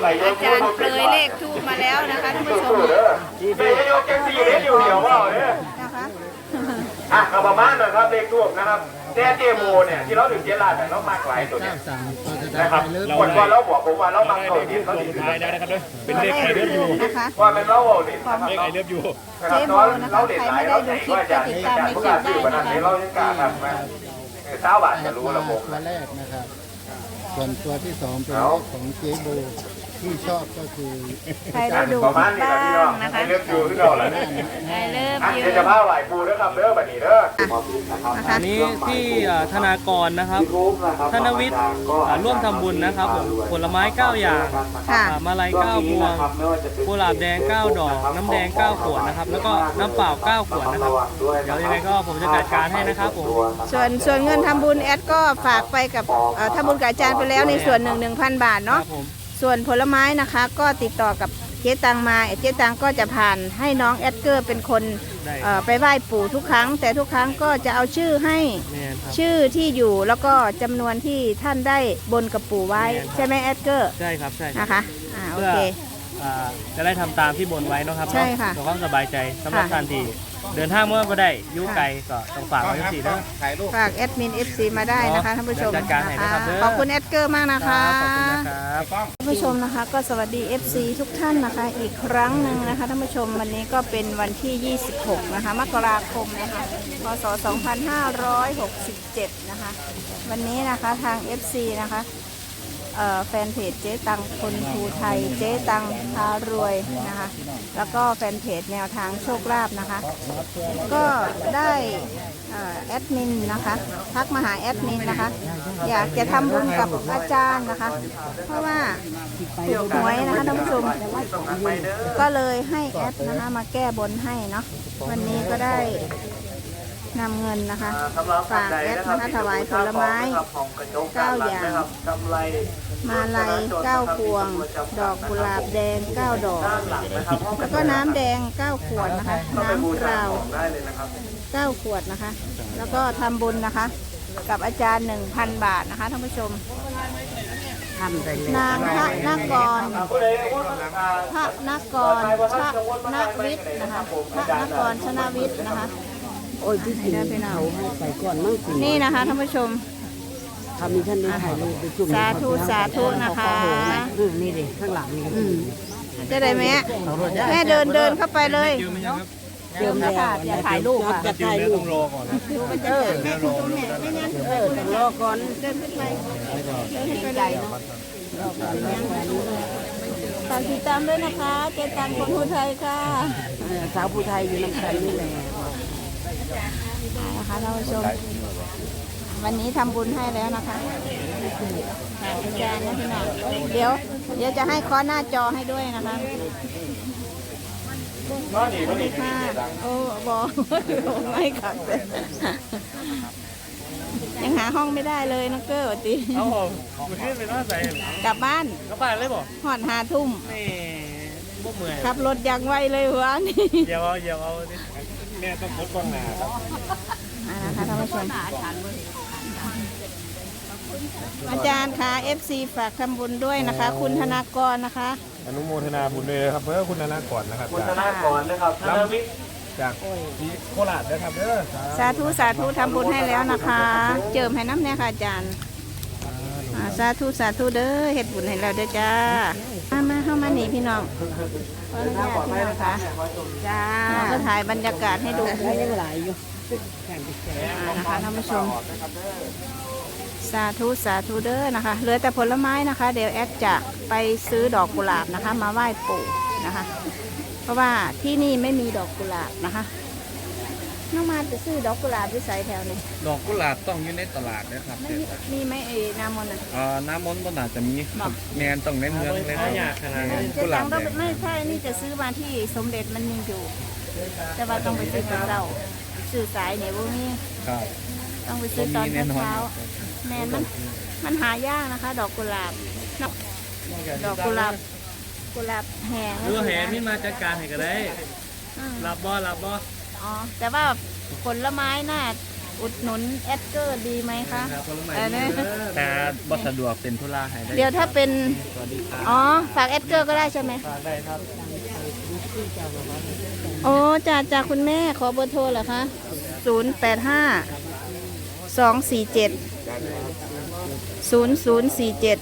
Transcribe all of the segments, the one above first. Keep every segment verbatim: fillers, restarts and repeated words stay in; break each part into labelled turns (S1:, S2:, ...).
S1: อาจารย์เปรยเลขทูบมาแล้วนะคะท่านผู้ชม
S2: เดี๋ยวโยกแกซีเล่นอยู่เดียวว่าเนี่ย
S1: นะคะ
S2: อ่ะเอาประมาณนั้นครับเลขทูบนะครับแต่เจโมเนี่ยที่เราถึงเจลาเนี่ยเรามากหลายตัวเนี่ยนะครับคนว่าเราบอกผมว่าเรามากตัวนี้เขาถึงท้ายได้นะครับด้วยเป็นเลขไอเลือดอยู่ว่าเป็นเราเอาเนี่ยเลขไอเลือดอยู่
S1: เจโมนะคะใครไม่ได้ดูคลิปก็ติดตามในคลิปได้นะคะ
S2: เรายังกล้าทำมาเช้าบาทจะรู้ระบบ
S3: ตัวแรกนะครับส่วนตัวที่สองเป็นเลขของเจ๊โบที่ชอบก็คือ
S1: ใครได้ดูบ้างนะคะ
S2: ไอเลือดอยู่ที่เราแล้ว
S1: ไอเลือดอยู่
S2: เดี๋ยวจะพาไหวปูด้วยครับเด้อแบบนี้เด้อ
S4: อันนี้ที่ธนากรนะครับธนวิทย์ร่วมทำบุญนะครับผมผลไม้เก้าอย่างมาลัยเก้าพวงกุหลาบแดงเก้าดอกน้ำแดงเก้าขวดนะครับแล้วก็น้ำเปล่าเก้าขวดนะครับเดี๋ยวยังไงก็ผมจะจัดการให้นะครับผม
S1: ส่วนส่วนเงินทำบุญแอดก็ฝากไปกับทำบุญกับอาจารย์ไปแล้วในส่วนหนึ่งหนึ่งพันบาทเนาะส่วนผลไม้นะคะก็ติดต่อกับเจ๊ตังมาเจ๊ตังก็จะผ่านให้น้องแอดเกอร์เป็นคนไปไหว้ปู่ทุกครั้งแต่ทุกครั้งก็จะเอาชื่อให้ชื่อที่อยู่แล้วก็จำนวนที่ท่านได้บนกับปู่ไว้ใช่ไหมแอดเกอร์
S4: ใช่ครับใช่
S1: นะคะอ่าโอเค
S4: จะได้ทำตามที่บนไว้นะครับ
S1: ใช่ค่ะ
S4: เพื่อความสบายใจสำหรับท่านที่เดินทางเมื่อก็ได้ยุ่งไกลก็ต้องฝากไว้สี่นะ
S1: ฝากแอดมิน เอฟ ซี มาได้นะคะท่านผู้ชมนะคะขอบคุณแอดเกอร์มากนะคะท่านผู้ชมนะคะก็สวัสดี เอฟ ซี ทุกท่านนะคะอีกครั้งหนึ่งนะคะท่านผู้ชมวันนี้ก็เป็นวันที่ยี่สิบหกนะคะมกราคมนะคะพศสองพันห้าร้อยหกสิบเจ็ดนะคะวันนี้นะคะทาง เอฟ ซี นะคะแฟนเพจเจ๊ตังคนภูไทยเจ๊ตังพารวยนะคะแล้วก็แฟนเพจแนวทางโชคลาภนะคะก็ได้แอดมินนะคะทักมาหาแอดมินนะคะอยากจะทำบุญกับอาจารย์นะคะเพราะว่าถูกหวยนะคะท่านผู้ชมก็เลยให้แอดนะคะมาแก้บนให้เนาะวันนี้ก็ได้นำเงินนะคะฝากแอดนะคะถวายผลไม้เก้าอย่างมาลัยเก้าพวงดอกกุหลาบแดงเก้าดอกแล้วก็น้ำแดงเก้าขวดนะคะน้ำเปล่าเก้าขวดนะคะแล้วก็ทำบุญนะคะกับอาจารย์หนึ่งพันบาทนะคะท่านผู้ชมนางพระนกรพระนกรชนะวิทย์นะคะพระนกรชนะวิทย์นะคะ
S3: โอ้ยพี่สีพี่น้าใส่ก่อนมั่งสิ
S1: นี่นะคะท่านผู้ชม
S3: ทำมีท่านได้ถ่ายรูปไปจุ่ม
S1: สาธุสาธุนะคะ
S3: นี่ดิข้างหลังนี่
S1: จะได้ไหมแม่เดินเดินเข้าไปเลย
S3: เดิมแล้วอย่าถ่ายรูปค่ะจะถ่ายรูป
S4: ต้องรอก่อน
S1: เออแม่คุณตรงนี้ไม่งั้นเออ
S3: ต้องรอก่อน
S1: เดินขึ้นไปเดินขึ้นไปเลยฝากติดตามด้วยนะคะเจตังคนภูไทยค่ะ
S3: สาวภูไทยอยู่น้ำกันนี่แหละ
S1: นะคะท่านผู้ชมวันนี้ทำบุญให้แล้วนะคะอาจารย์นะพี่น้องเดี๋ยวเดี๋ยวจะให้ค้อหน้าจอให้ด้วยนะคะสวัสดีค่ะโอ้บอกไม่ขัดเลยยังหาห้องไม่ได้เลยน้องเกอร์ตี
S4: เอาผมขึ้นไปนอนใส่
S1: กลับบ้าน
S4: กลับบ้านเลยบอก
S1: หอดหาทุ่ม
S4: นี่พวกเมื่อย
S1: ขับรถยังไวเลยหัวนี่
S4: เดี๋ยวเอาเดี๋ยวเอาแม่ต้องพดกล้องหน้าครับ
S1: นะคะท่านผู้ชมอาจารย์ค่ะ เอฟ ซี ฝากทำบุญด้วยนะคะคุณธนากรนะคะ
S4: อนุโมทนาบุญเลยครับเพื่อคุณธนากรนะครับ
S2: คุณธนากรนะครับธนวิทย์
S4: จากโคราชนะครับเด้อ
S1: สาธุสาธุทำบุญให้แล้วนะคะเจิมให้น้ำเนี่ยค่ะอาจารย์สาธุสาธุเด้อเฮ็ดบุญให้เราเด้อจ้ามามาเข้ามาหนีพี่น้องขออนุญาตพี่น้องค่ะจ้าก็ถ่ายบรรยากาศให้ดู
S3: ยังหลายอยู่
S1: นะคะท่านผู้ชมสาธุสาธุเด้อนะคะเหลือแต่ผลไม้นะคะเดี๋ยวแอดจะไปซื้อดอกกุหลาบนะคะมาไหว้ปู่นะคะเพราะว่าที่นี่ไม่มีดอกกุหลาบนะคะน้องมาจะซื้อดอกกุหลาบที่ใส่แถวนี้
S4: ดอกกุหลาบต้องอยู่ในตลาดนะครับ
S1: มีไหมเอน้ำมนต์อ่ะ
S4: อ่าน้ำมนต์ก็น่าจะมีแมนต้องในเมืองเลยนะ
S1: กุหลาบไม่ใช่นี่จะซื้อมาที่สมเด็จมันมีอยู่แต่ว่าต้องไปซื้อตอนเช้าซื้อสายเนี่ยพวกนี้ต้องไปซื้อตอนเช้าแมนมันมันหายากนะคะดอกกุหลาบดอกกุหลาบกุหลาบแห้ง
S4: หรือแห้งนี่มาจัดการให้ก็ได้รับบ่รับบ่
S1: อ๋อแต่ว่าผลไม้น่าอุดหนุนแอดเกอร์ดีไหมคะเออเนี่ย
S4: แต่บ่สะดวกเป็นธุระให้ได้
S1: เดี๋ยวถ้าเป็น
S4: สวัสดีครับ
S1: อ๋อฝากแอดเกอร์ก็ได้ใช่ไหม
S4: ฝากได้ครับ
S1: โอ้จากจากคุณแม่ขอเบอร์โทรเหรอคะศูนย์แปดห้าสองสี่เจ็ดศูนย์ศูนย์สี่เจ็ด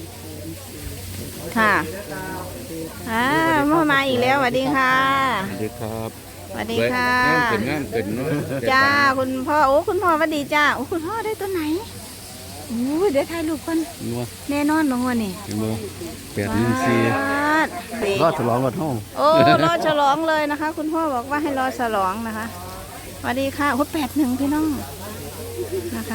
S1: ค่ะอ่ามามาอีกแล้วสวัสดีค่ะ
S3: สวัสดีครับ
S1: สวัสดีค่ะ
S3: งามเป็นงามเป็นเนาะ
S1: จ้าคุณพ่อโอ้คุณพ่อสวัสดีจ้าโอ้คุณพ่อได้ตัวไหนโอ้ยเดี๋ยวถ่ายรูปก่อน
S3: นัว
S1: แน่นอนลงวันนี่
S3: เห็นบ่แปดหนึ่งสี่
S1: เด็ก
S3: รอดฉลองกันห้อง
S1: โอ้รอฉลองเลยนะคะ คุณพ่อบอกว่าให้รอฉลองนะคะสวัสดีค่ะโอ้แปดหนึ่งพี่น้องนะคะ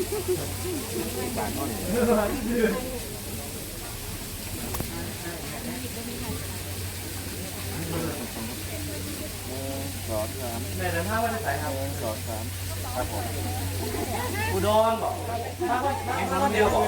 S4: แม่เดินทางมาได้ไสครับสองสามครับผมอุดรบอกมาคนเดียวบอก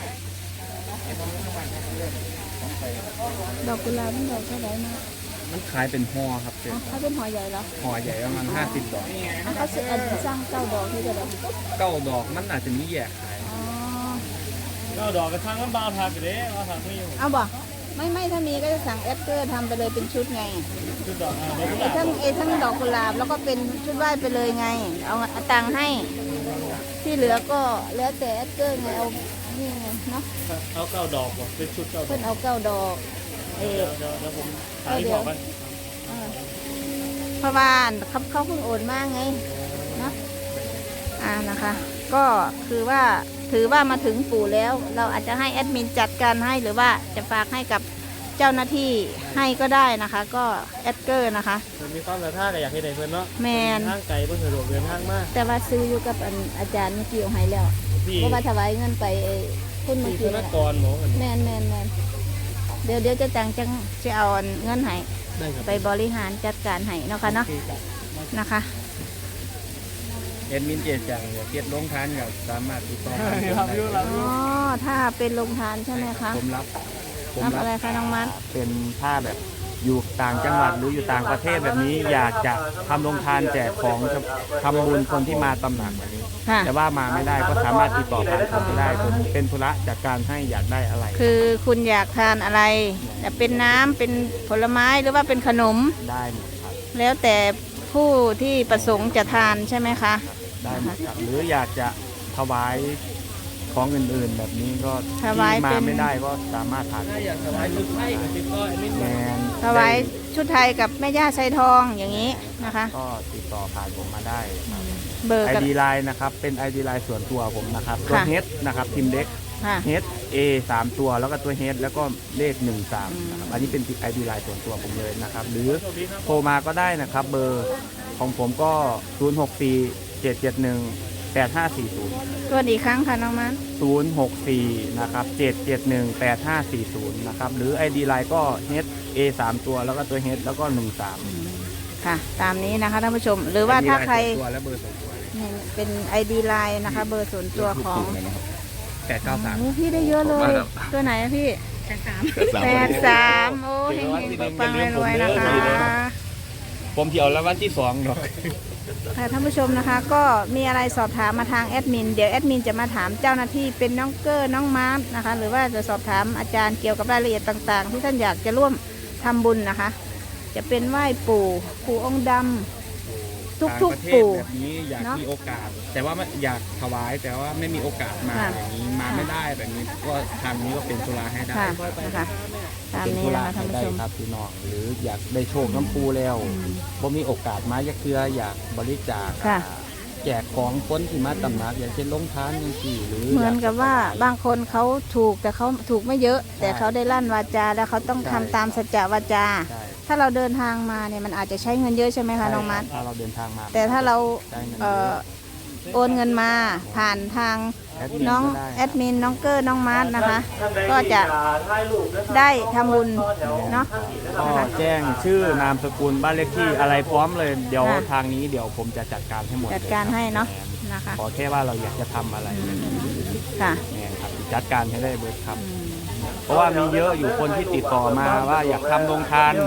S1: ดอกกุหลาบมันดอกเท่าไหร่นะ
S4: มันขายเป็นห่อครับเจ๊
S1: อ๋อเขาเป็นหอใหญ่เหรอ
S4: ห่อใหญ่ประมาณห้าสิบดอก
S1: อ๋อเขาซื้ออันสร้างเก้าดอกที่จะแบบ
S4: เก้าดอกมันอาจจะมีแยกขาย
S1: อ๋อ
S4: เก้าดอกกระทั่งมันบาวทางไปเลยบาวทางไม่อยู่
S1: เอาบ่ไม่ไม่ถ้ามีก็จะสั่งแอดเกอร์ทำไปเลยเป็นชุดไง
S4: ชุดดอกอ่า
S1: ไอ้ทั้งไอ้ทั้งดอกกุหลาบแล้วก็เป็นชุดไหว้ไปเลยไง เอาเอาตังค์ให้ ที่เหลือก็แล้วแต่แอดเกอร์ไงเอานี่ไงเนาะ
S4: เอาเก้าดอกว่ะเป็นชุดเก้าด
S1: เพิ่
S4: อก
S1: นเอาเก้าดอกเออ
S4: เดี๋ยวเดี๋ยวผมหาที่บอกกัน
S1: เออเพราะว่าเขาเขาเพิ่งโอนมาไงเนาะอ่านะคะ ก็คือว่าถือว่ามาถึงปู่แล้ว เราอาจจะให้แอดมินจัดการให้หรือว่าจะฝากให้กับเจ้าหน้าที่ให้ก็ได้นะคะ ก็แอดเกอร์นะคะ
S4: มันมีความศรัทธาแต่อยากให้ได้เพื่อนเนาะ
S1: แมน
S4: ทางไกลเพื่อนสะดวกเดินทางมาก
S1: แต่ว่าซื้ออยู่กับอันอาจารย์เมื่อกี้เอาให้แล้ว
S4: พี่
S1: เพราะว่าถวายเงินไปไอ้คุณเมื่อ
S4: พี่ธ
S1: กี้
S4: น
S1: น่ะ
S4: กรหมอกัน
S1: แมนแมนแมนเดี๋ยวเดี๋ยวจะจังจังจะเอาอันเงินให้
S4: ได้ครับ
S1: ไปบริหารจัดการให้เนาะค่ะเนาะนะคะ
S4: เอ็ดมินเจจังเดี๋ยวเก็บลงทานกับสามารถติดต่อได้ครับ
S1: อ๋อถ้าเป็นโรงทานใช่ไหมคะ
S4: ผมรับผม
S1: ทำอะไรคะน้องมัด
S4: เป็นผ้าแบบอยู่ต่างจังหวัดหรืออยู่ต่างประเทศแบบนี้ อยากจะทำโรงทานแจกของทำบุญคนที่มาตำหนักแบบนี้
S1: ค่ะ
S4: แต่ว่ามาไม่ได้ก็สามารถติดต่อผ่านผมได้ผมเป็นธุระจากการให้อยากได้อะไร
S1: คือคุณอยากทานอะไรจะเป็นน้ำเป็นผลไม้หรือว่าเป็นขนม
S4: ได้หมดครับ
S1: แล้วแต่ผู้ที่ประสงค์จะทานใช่ไหมคะ
S4: ได้หมดครับหรืออยากจะถวายของอื่นๆ แบบนี้ก็
S1: ถวาย
S4: ที่มา
S1: เป็น
S4: ไม่ได้ก็สามารถทานอยากถวายชุดไทยแมน
S1: ถวายชุดไทยกับแม่ย่าไซทองอย่างนี้นะคะ
S4: ก็ติดต่อผ่านผมมาได้ครับ
S1: เบอร์
S4: ไอ
S1: กับ
S4: ดีไลน์นะครับเป็น ไอ ดี ไลน์ส่วนตัวผมนะครับตัว
S1: ค่ะ
S4: เฮดนะครับพิมพ์เล็ก
S1: ค่ะ
S4: เฮด A สามตัวแล้วก็ตัวเฮดแล้วก็เลขหนึ่งสามนะครับอันนี้เป็น ไอ ดี ไลน์ส่วนตัวผมเลยนะครับหรือโทรมาก็ได้นะครับเบอร์ของผมก็ ศูนย์ หก สี่ เจ็ด เจ็ด หนึ่ง แปด ห้า สี่ ศูนย์
S1: ตัวอีกครั้งค่ะน้องมัน
S4: ศูนย์ หก สี่ นะครับ เจ็ด เจ็ด หนึ่ง แปด ห้า สี่ ศูนย์ นะครับ หรือ ไอ ดี ไลน์ก็ H A สาม ตัว แล้วก็ตัว H แล้วก็ หนึ่ง สาม
S1: ค่ะ ตามนี้นะคะท่านผู้ชม หรือว่าถ้าใคร
S4: ตัวและเบอร์สองตัว
S1: เนี่ยเป็น ไอ ดี ไลน์นะคะ เบอร์ส่วนตัวของ
S4: แปด เก้า สาม
S1: โอ้พี่ได้เยอะเลย ตัวไหนอะพี่แปดสามโอ้เฮงๆปังๆรวยๆนะคะ
S4: ผมที่เอาแล้ววันที่สองดอก
S1: ค่ะท่านผู้ชมนะคะ ก็มีอะไรสอบถามมาทางแอดมินเดี๋ยวแอดมินจะมาถามเจ้าหน้าที่เป็นน้องเกอร์น้องมาร์ทนะคะ หรือว่าจะสอบถามอาจารย์เกี่ยวกับรายละเอียดต่างๆ ที่ท่านอยากจะร่วมทำบุญนะคะ จะเป็นไหว้ปู่ปู่องค์ดำทุกๆปู่
S4: แบบนี้อยาก
S1: เนอะ
S4: มีโอกาส แต่ว่าไม่อยากถวายแต่ว่าไม่มีโอกาสมา
S1: ค่ะ
S4: อย่างนี้มาไม่ได้แบบนี้ก็ทางนี้ก็เป็นธุระให้ได้
S1: ค่ะนะคะตาม
S4: เป็น
S1: นี้
S4: ธุ
S1: นะ
S4: ระ
S1: คะท่า
S4: ให้
S1: นผู้
S4: ได้
S1: ชม
S4: ครับพี่น้องหรืออยากได้โชคน้ำปูแล้วบ่มีโอกาสมาอยากเทืออยากบริจาค
S1: ค่ะ
S4: แจกของคนที่มาตำหนักอย่างเช่นลงทานอย่างที่หรือ
S1: เหมือนกับว่า
S4: อย
S1: บางคนเขาถูกแต่เขาถูกไม่เยอะ แต่เขาได้ลั่นวาจาแล้วเขาต้องทำตามสัจจะวาจา
S4: ใช่
S1: ถ้าเราเดินทางมาเนี่ยมันอาจจะใช้เงินเยอะใช่ไหมคะน้องมัด
S4: ถ้าเราเดินทางมา
S1: แต่ถ้าเรา
S4: ได้เงิน
S1: เอ่
S4: เย
S1: อ
S4: อะ
S1: โอนเงินมาผ่านทาง
S4: แอดมิน
S1: น้อง
S4: ก็ได้
S1: แอดมินน้องเกอร์น้องมาร์ทนะคะ ก็จะได้ทำบุญเนาะ
S4: ก็แจ้งชื่อนามสกุลบ้านเลขที่อะไรพร้อมเลยเดี๋ยว
S1: ค่ะ
S4: ทางนี้เดี๋ยวผมจะจัดการให้หมด
S1: จัดการให้เนาะ
S4: แม่
S1: นะคะ
S4: ขอแค่ว่าเราอยากจะทำอะไร
S1: ค่ะ
S4: แม่ครับจัดการให้ได้เบิดครับ เพราะว่ามีเยอะอยู่คนที่ติดต่อมาว่าอยากทำโรงทาน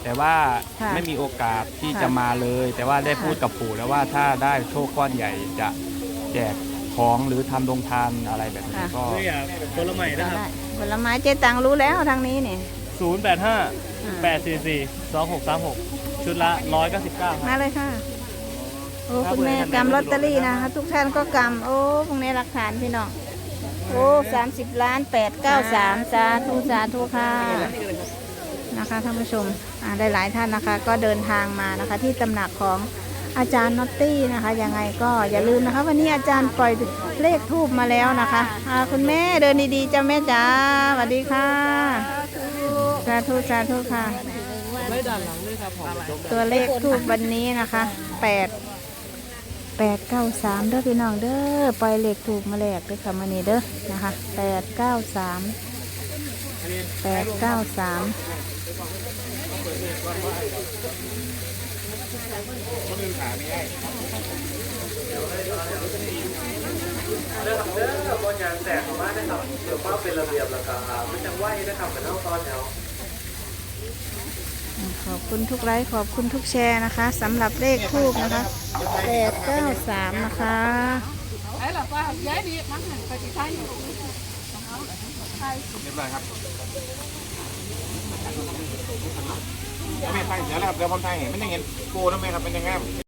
S5: แต่ว่า
S1: ค่ะ
S5: ไม่มีโอกาสที่
S1: ค่ะ
S5: จะมาเลย แต่ว่าได้พูดกับปู่แล้วว่าถ้าได้โชคก้อนใหญ่จะแจกของหรือทำโรงทานอะไรแบบนี้ก็
S4: ตัวอย่างผลไม้นะครับ
S1: ได้ผลไม้เจ๊ตังรู้แล้วทางนี้เนี่ย
S4: ศูนย์ แปด ห้า แปด สี่ สี่ สอง หก สาม หก ชุดละหนึ่งร้อยเก้าสิบเก้าครับ
S1: มาเลยค่ะ โอ้
S4: ครับ
S1: คุณแม่
S4: ผม
S1: กำลอตเตอรี่นะคะทุกท่านก็กำโอ้พวกนี้หลักฐานพี่น้องโอ้สามสิบล้านแปดเก้าสามสาธุสาธุค่ะนะคะท่านผู้ชมอ่าได้หลายท่านนะคะ ก็เดินทางมานะคะ ที่ตำหนักของอาจารย์น็อตตี้นะคะยังไงก็อย่าลืมนะคะ วันนี้อาจารย์ปล่อยเลขทูบมาแล้วนะคะอ่าคุณแม่เดินดีๆจ้าแม่จ๋าสวัสดีค่ะสาธุสาธุค่ะ
S4: ไว้ด้านหลังด้วยครับผม
S1: ตัวเลขทูบวันนี้นะคะแปดแปดเก้าสามเด้อพี่น้องเด้อปล่อยเลขทูบมาแลกด้วยค่ะมานี่เด้อนะคะแปดเก้าสามแปดเก้าสาม
S4: เด้อครับเด้อบอลยางแตกออกมาได้ครับเดี๋ยวว่าเป็นระเบียบแล้วก็ไม่จังไหวนะครับเหมือนเอาตอนแถว
S1: ขอบคุณทุกไลค์ขอบคุณทุกแชร์นะคะสำหรับเลขทูบนะคะแปดเก้าสามนะคะ
S6: ไอ้หลับว่าย้ายดีมั้งไปที่ไทย
S2: เรียบร้อยครับไม่ใช่เดี๋ยวแล้วครับเดี๋ยวผมไทยเห็นไม่ได้เห็นโกนะแม่ครับเป็นยังไง